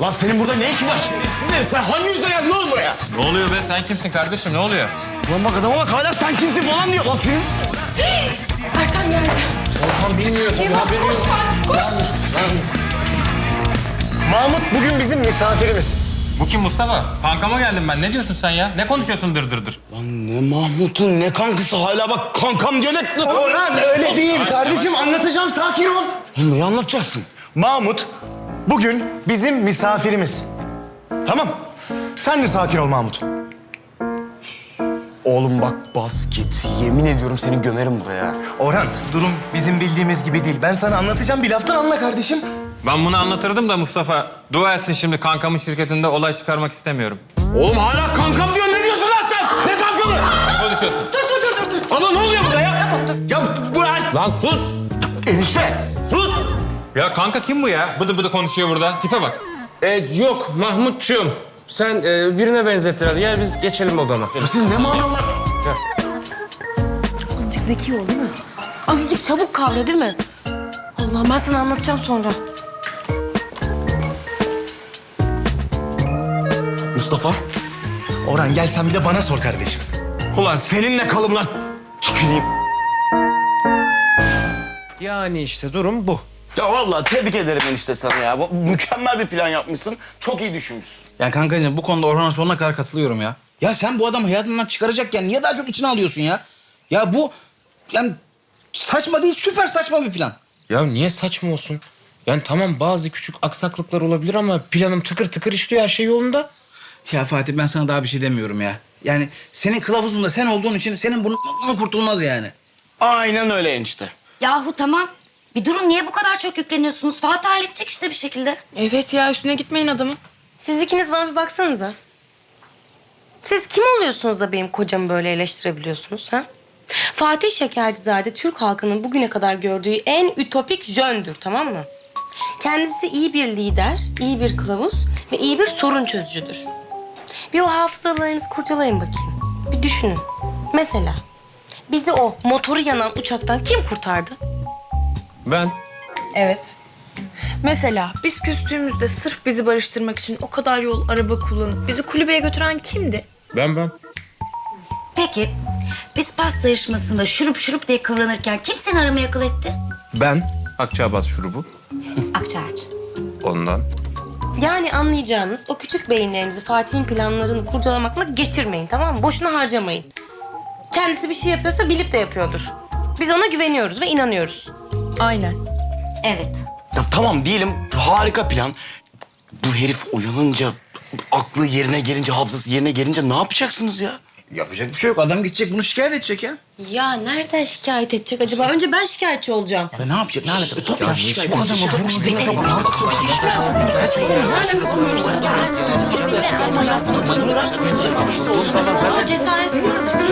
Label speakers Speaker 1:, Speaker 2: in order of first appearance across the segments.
Speaker 1: Lan senin burada ne işin var? Sen hangi yüzle geldin oğlum buraya?
Speaker 2: Ne oluyor be? Sen kimsin kardeşim? Ne oluyor?
Speaker 1: Lan bak adama bak hala sen kimsin falan diyor. Lan senin...
Speaker 3: Ertan geldi.
Speaker 1: Orhan bilmiyorsun.
Speaker 3: Eyvah, koş Fatih, koş.
Speaker 1: Mahmut bugün bizim misafirimiz.
Speaker 2: Bu kim Mustafa? Kankama geldim ben. Ne diyorsun sen ya? Ne konuşuyorsun dır dır dır?
Speaker 1: Lan ne Mahmut'un ne kankısı hala bak kankam diyor ne... Orhan öyle değil kardeşim anlatacağım sakin ol. Oğlum neyi anlatacaksın? Mahmut bugün bizim misafirimiz. Tamam. Sen de sakin ol Mahmut. Oğlum bak bas git. Yemin ediyorum seni gömerim buraya.
Speaker 4: Orhan, durum bizim bildiğimiz gibi değil. Ben sana anlatacağım, bir laftan anla kardeşim.
Speaker 2: Ben bunu anlatırdım da Mustafa. Dua etsin şimdi kankamın şirketinde olay çıkarmak istemiyorum.
Speaker 1: Oğlum hala kankam diyor. Ne diyorsun lan sen? Ne kankamı?
Speaker 2: Ne konuşuyorsun?
Speaker 3: Dur.
Speaker 1: Ama ne oluyor burada ya?
Speaker 3: Tamam, dur.
Speaker 1: Ya bu
Speaker 2: Lan sus!
Speaker 1: enişte.
Speaker 2: Sus! Ya kanka kim bu ya? Bıdı bıdı konuşuyor burada. Tipe bak.
Speaker 5: Yok Mahmutçuğum. Sen birine benzettir hadi. Gel biz geçelim odama.
Speaker 1: Ya siz ne manalar?
Speaker 3: Azıcık zeki ol değil mi? Azıcık çabuk kavra değil mi? Allah'ım ben sana anlatacağım sonra.
Speaker 1: Mustafa.
Speaker 4: Orhan gel sen bir de bana sor kardeşim.
Speaker 1: Ulan seninle kalım lan. Tüküreyim.
Speaker 5: Yani işte durum bu.
Speaker 1: Ya vallahi tebrik ederim enişte sana ya. Mükemmel bir plan yapmışsın. Çok iyi düşünmüşsün.
Speaker 6: Ya kankacığım bu konuda Orhan'a sonuna kadar katılıyorum ya. Ya sen bu adamı hayatından çıkaracakken niye daha çok içine alıyorsun ya? Ya bu yani saçma değil süper saçma bir plan.
Speaker 5: Ya niye saçma olsun? Yani tamam bazı küçük aksaklıklar olabilir ama planım tıkır tıkır işliyor, her şey yolunda.
Speaker 6: Ya Fatih ben sana daha bir şey demiyorum ya. Yani senin kılavuzunda sen olduğun için senin bunun kurtulmaz yani.
Speaker 1: Aynen öyle enişte.
Speaker 7: Yahu tamam. Bir durun, niye bu kadar çok yükleniyorsunuz? Fatih halledecek işte bir şekilde.
Speaker 3: Evet ya, üstüne gitmeyin adamın. Siz ikiniz bana bir baksanıza. Siz kim oluyorsunuz da benim kocamı böyle eleştirebiliyorsunuz ha? Fatih Şekercizade Türk halkının bugüne kadar gördüğü en ütopik jöndür, tamam mı? Kendisi iyi bir lider, iyi bir kılavuz ve iyi bir sorun çözücüdür. Bir o hafızalarınızı kurcalayın bakayım. Bir düşünün. Mesela bizi o motoru yanan uçaktan kim kurtardı?
Speaker 5: Ben
Speaker 8: Evet. Mesela biz küstüğümüzde sırf bizi barıştırmak için o kadar yol araba kullanıp bizi kulübeye götüren kimdi?
Speaker 5: Ben.
Speaker 7: Peki, biz pasta yarışmasında şurup diye kıvranırken kim seni aramaya akıl etti?
Speaker 5: Ben Akçaabat şurubu.
Speaker 7: Akçaaç.
Speaker 5: Ondan.
Speaker 3: Yani anlayacağınız o küçük beyinlerinizi Fatih'in planlarını kurcalamakla geçirmeyin, tamam mı? Boşuna harcamayın. Kendisi bir şey yapıyorsa bilip de yapıyordur. Biz ona güveniyoruz ve inanıyoruz.
Speaker 8: Aynen.
Speaker 7: Evet.
Speaker 1: Ya tamam diyelim harika plan. Bu herif uyanınca, aklı yerine gelince, hafızası yerine gelince ne yapacaksınız ya?
Speaker 6: Yapacak bir şey yok. Adam gidecek bunu şikayet edecek ya.
Speaker 3: Ya nereden şikayet edecek acaba? Önce ben şikayetçi olacağım.
Speaker 6: Ya ne yapacak? Ne alakası? Topla şikayet.
Speaker 1: Bu adamı
Speaker 3: Aa, cesaret mi?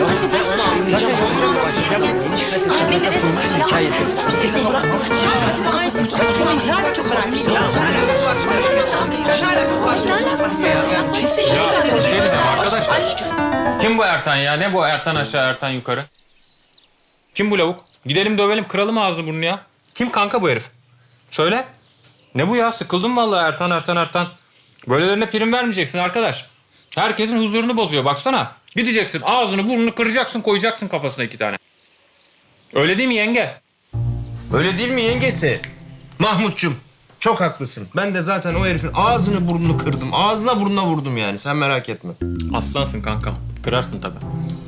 Speaker 2: Bir şey diyeceğim arkadaşlar. Kim bu Ertan ya? Ne bu Ertan aşağı Ertan yukarı? Kim bu lavuk? Gidelim dövelim kıralım ağzını burnunu ya. Kim kanka bu herif? Söyle. Ne bu ya? Sıkıldım vallahi Ertan. Böylelerine prim vermeyeceksin arkadaş. Herkesin huzurunu bozuyor baksana. Gideceksin ağzını burnunu kıracaksın koyacaksın kafasına 2 tane. Öyle değil mi yenge?
Speaker 5: Öyle değil mi yengesi? Mahmutçum çok haklısın. Ben de zaten o herifin ağzını burnunu kırdım. Ağzına burnuna vurdum yani, sen merak etme.
Speaker 2: Aslansın kankam. Kırarsın tabii.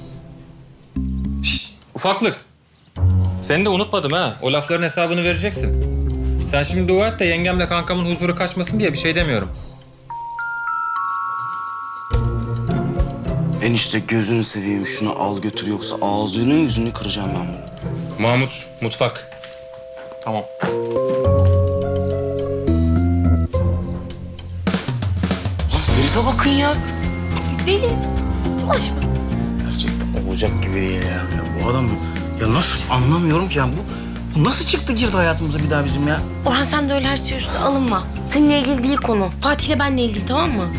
Speaker 2: Şşt, ufaklık. Seni de unutmadım ha. O lafların hesabını vereceksin. Sen şimdi dua et de yengemle kankamın huzuru kaçmasın diye bir şey demiyorum.
Speaker 1: Enişte gözünü seveyim şunu al götür yoksa ağzını yüzünü kıracağım ben bunu.
Speaker 5: Mahmut, mutfak.
Speaker 2: Tamam.
Speaker 1: Lan herife bakın ya.
Speaker 3: Deli. Bulaşma.
Speaker 6: Gerçekten olacak gibi değil ya. Ya bu adam ya nasıl anlamıyorum ki ya bu nasıl çıktı girdi hayatımıza bir daha bizim ya?
Speaker 3: Orhan sen de öyle her şey üstüne alınma. Seninle ilgili değil konu. Fatih'le benle ilgili, tamam mı?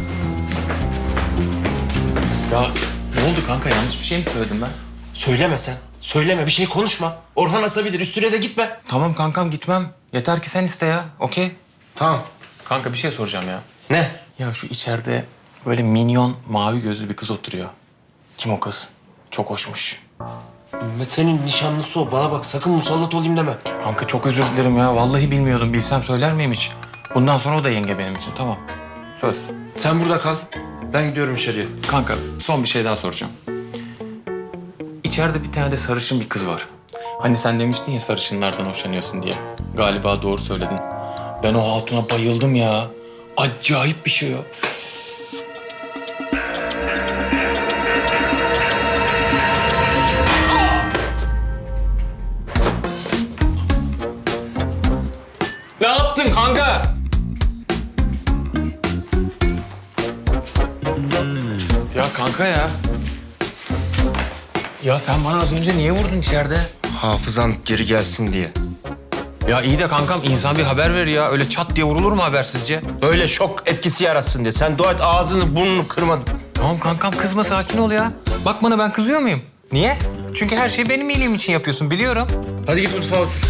Speaker 2: Ya ne oldu kanka? Yanlış bir şey mi söyledim ben?
Speaker 5: Söyleme sen. Söyleme, bir şey konuşma. Orhan asabilir, üstüne de gitme.
Speaker 2: Tamam kankam gitmem. Yeter ki sen iste ya. Okey.
Speaker 5: Tamam.
Speaker 2: Kanka bir şey soracağım ya.
Speaker 5: Ne?
Speaker 2: Ya şu içeride böyle minyon mavi gözlü bir kız oturuyor. Kim o kız? Çok hoşmuş.
Speaker 5: Mete'nin nişanlısı o. Bana bak sakın musallat olayım deme.
Speaker 2: Kanka çok özür dilerim ya. Vallahi bilmiyordum. Bilsem söyler miyim hiç? Bundan sonra o da yenge benim için. Tamam. Söz.
Speaker 5: Sen burada kal. Ben gidiyorum içeriye.
Speaker 2: Kanka son bir şey daha soracağım. İçeride bir tane de sarışın bir kız var. Hani sen demiştin ya sarışınlardan hoşlanıyorsun diye. Galiba doğru söyledin. Ben o hatuna bayıldım ya. Acayip bir şey o. Ne yaptın kanka? Ya kanka ya. Ya sen bana az önce niye vurdun içeride?
Speaker 5: Hafızan geri gelsin diye.
Speaker 2: Ya iyi de kankam insan bir haber verir ya. Öyle çat diye vurulur mu habersizce?
Speaker 5: Böyle şok etkisi yaratsın diye. Sen dua et ağzını burnunu kırmadın.
Speaker 2: Tamam kankam kızma sakin ol ya. Bak bana ben kızıyor muyum? Niye? Çünkü her şeyi benim iyiliğim için yapıyorsun biliyorum.
Speaker 5: Hadi git mutfağa otur.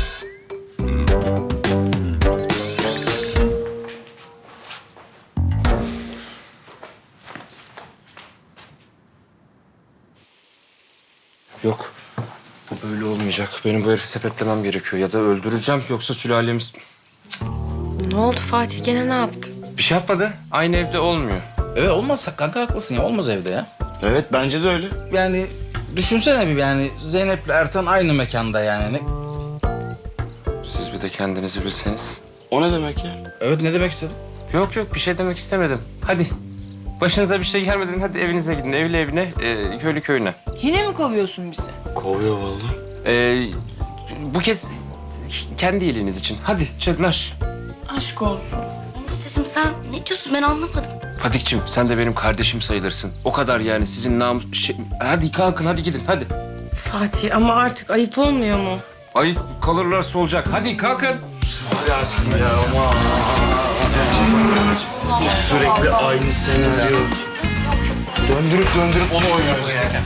Speaker 5: Yok. Bu böyle olmayacak. Benim bu herifi sepetlemem gerekiyor. Ya da öldüreceğim yoksa sülalemiz...
Speaker 3: Ne oldu Fatih? Gene ne yaptı?
Speaker 5: Bir şey yapmadı. Aynı evde olmuyor.
Speaker 6: Evet olmaz kanka haklısın ya. Olmaz evde ya.
Speaker 1: Evet bence de öyle.
Speaker 6: Yani düşünsene bir yani Zeynep'le Ertan aynı mekanda yani.
Speaker 5: Siz bir de kendinizi bilseniz.
Speaker 1: O ne demek ya?
Speaker 6: Evet ne demek istedin?
Speaker 5: Yok bir şey demek istemedim. Hadi. Başınıza bir şey gelmeden hadi evinize gidin. Evli evine, köylü köyüne.
Speaker 8: Yine mi kovuyorsun bizi?
Speaker 1: Kovuyor vallahi.
Speaker 5: Bu kez kendi iyiliğiniz için. Hadi Çetnaş.
Speaker 8: Aşk olsun.
Speaker 7: Enişteciğim sen ne diyorsun ben anlamadım.
Speaker 5: Fadik'cim sen de benim kardeşim sayılırsın. O kadar yani sizin Hadi kalkın hadi gidin hadi.
Speaker 3: Fatih ama artık ayıp olmuyor mu?
Speaker 5: Ayıp kalırlarsa olacak. Hadi kalkın.
Speaker 1: Hadi aşkım ya aman. Sürekli aynı senaryo. Döndürüp onu oynuyoruz ya.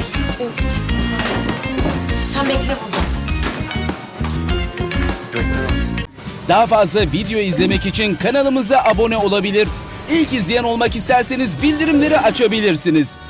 Speaker 3: Sen bekle burada.
Speaker 9: Daha fazla video izlemek için kanalımıza abone olabilir. İlk izleyen olmak isterseniz bildirimleri açabilirsiniz.